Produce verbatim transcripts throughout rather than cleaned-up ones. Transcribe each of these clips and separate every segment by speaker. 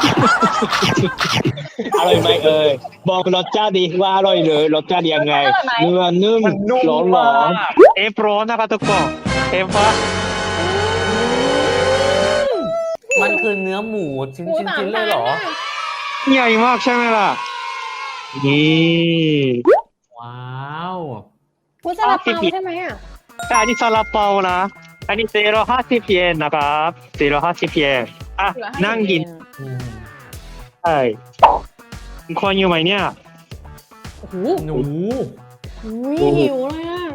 Speaker 1: อร่อยไหมเอ่ยบอกรสชาติดีว่าอร่อยเลยรสชาติยังไงเนื้อนุ่ม
Speaker 2: มันนุ่ม
Speaker 1: ร้อนห
Speaker 2: มาร
Speaker 1: อน
Speaker 2: กเอฟร้อนนะครับทุกคนเอฟว่า
Speaker 3: มันคือเนื้อหมูชิ้น
Speaker 4: หมู
Speaker 3: ชิ้น
Speaker 4: สาม
Speaker 3: ชิ้นเล
Speaker 4: ชั้
Speaker 3: ย
Speaker 4: น
Speaker 3: เหรอ
Speaker 4: น่ะ
Speaker 2: ใหญ่มากใช่ไหมล่ะนี่
Speaker 3: ว้าว
Speaker 4: หมูซาลาเปาใช่ไหมอ่ะ
Speaker 2: แต่อันนี้ซาลาเปานะอันนี้เซโรห้าสิบเยนนะครับเซโรห้าสิบเยนอ่ะ
Speaker 4: เหลือให้
Speaker 2: นั่งกิน
Speaker 3: อืม
Speaker 2: ใช่คนอยู่ไหมเนี่ย
Speaker 4: โอ้โห
Speaker 3: หนู
Speaker 4: อุ๊ยหิวเลยอ่ะ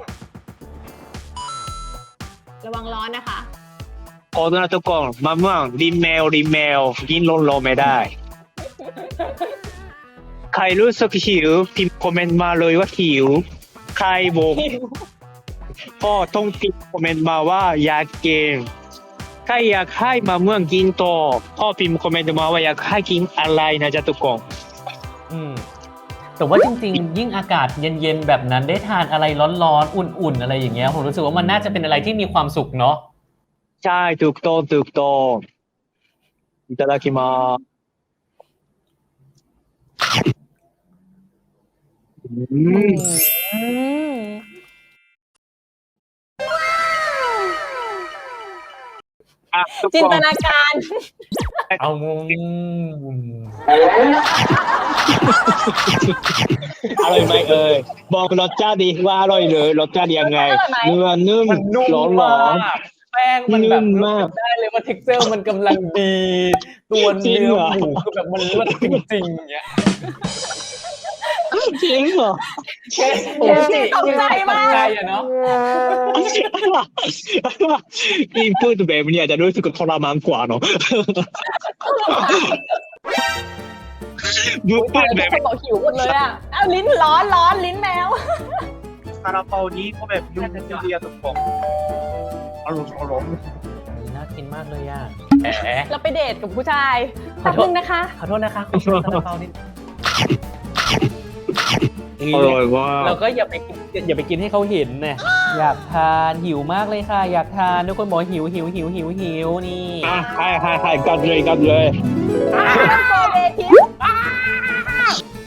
Speaker 4: ระวังร้อนนะคะ
Speaker 2: โอ้นะทุกคนมะม่วงริมแมวริมแมวกินลงลงไม่ได้ใครรู้สึกหิวพิมพ์คอมเมนต์มาเลยว่าหิวใครบอกพ่อต้องพิมพ์คอมเมนต์มาว่าอยากกินใครอยากให้มะม่วงกินต่อพ่อพิมพ์คอมเมนต์มาว่าอยากให้กินอะไรนะจ๊ะทุกคน
Speaker 3: อืมแต่ว่าจริงๆ ยิ่งอากาศเย็นๆ แบบนั้นได้ทานอะไรร้อนๆ อุ่นๆ อะไรอย่างเงี้ยผมรู้สึกว่ามันน่าจะเป็นอะไรที่มีความสุขเนาะ
Speaker 2: ใช่ถูกต้องถูกต้องいただきますอืม
Speaker 4: อืม
Speaker 2: อ่ะทุก
Speaker 4: จิน
Speaker 2: ค
Speaker 4: ต
Speaker 2: น
Speaker 4: นาการ
Speaker 3: เอางง
Speaker 1: อร่อยไหมเอ่ยบอกรสชาติดีว่าอร่อยเลยรสชาติยังไง
Speaker 4: อร่อยไหม
Speaker 1: เนื้อนุ่ม
Speaker 3: มันนุ่ม
Speaker 1: ร้อนห
Speaker 3: ม
Speaker 1: รอ
Speaker 3: าน กแป้งมันแบบ
Speaker 1: นุ่มมาก
Speaker 3: ได้เลยว่า texture มันกำลังดี ตัว
Speaker 1: จริง
Speaker 3: เนื้อ
Speaker 1: เหรอ
Speaker 3: หมูคือแบบมันเลิศจริงๆอย่างเงี้ย
Speaker 1: จริงเหรอ
Speaker 3: แค่
Speaker 4: โอ้ยตกใจมาก
Speaker 3: ตกใจอะเนาะ
Speaker 1: พี่พูดแบบนี้อาจจะรู้สึกทรมานกว่าเนาะพูด
Speaker 4: ทุก
Speaker 1: แบบ
Speaker 4: คนบอกหิวหมดเลยอ่ะอ้าวลิ้นร้อนร้อนลิ้นแมว
Speaker 2: ซาลาเปานี้ก็แบบนุ่มดีอะทุกคนอร่อยอร่อย
Speaker 3: น่ากินมากเลยอ่ะแหม
Speaker 4: เราไปเดทกับผู้ชาย
Speaker 3: ขอ
Speaker 4: แป๊บ
Speaker 3: โทษ
Speaker 4: นึงนะคะ
Speaker 3: ขอโทษนะคะขอโทษซาลาเปานิด
Speaker 1: อร่อยว่า
Speaker 3: เราก็อย่าไปกินอย่าไปกินให้เขาเห็นนะอยากทานหิวมากเลยค่ะ อยากทานทุกคนบอกหิวหิวหิวหิวหิวนี่
Speaker 1: อ่ะให้ให้ให้กันเลยกันเลย
Speaker 4: โกเบทิป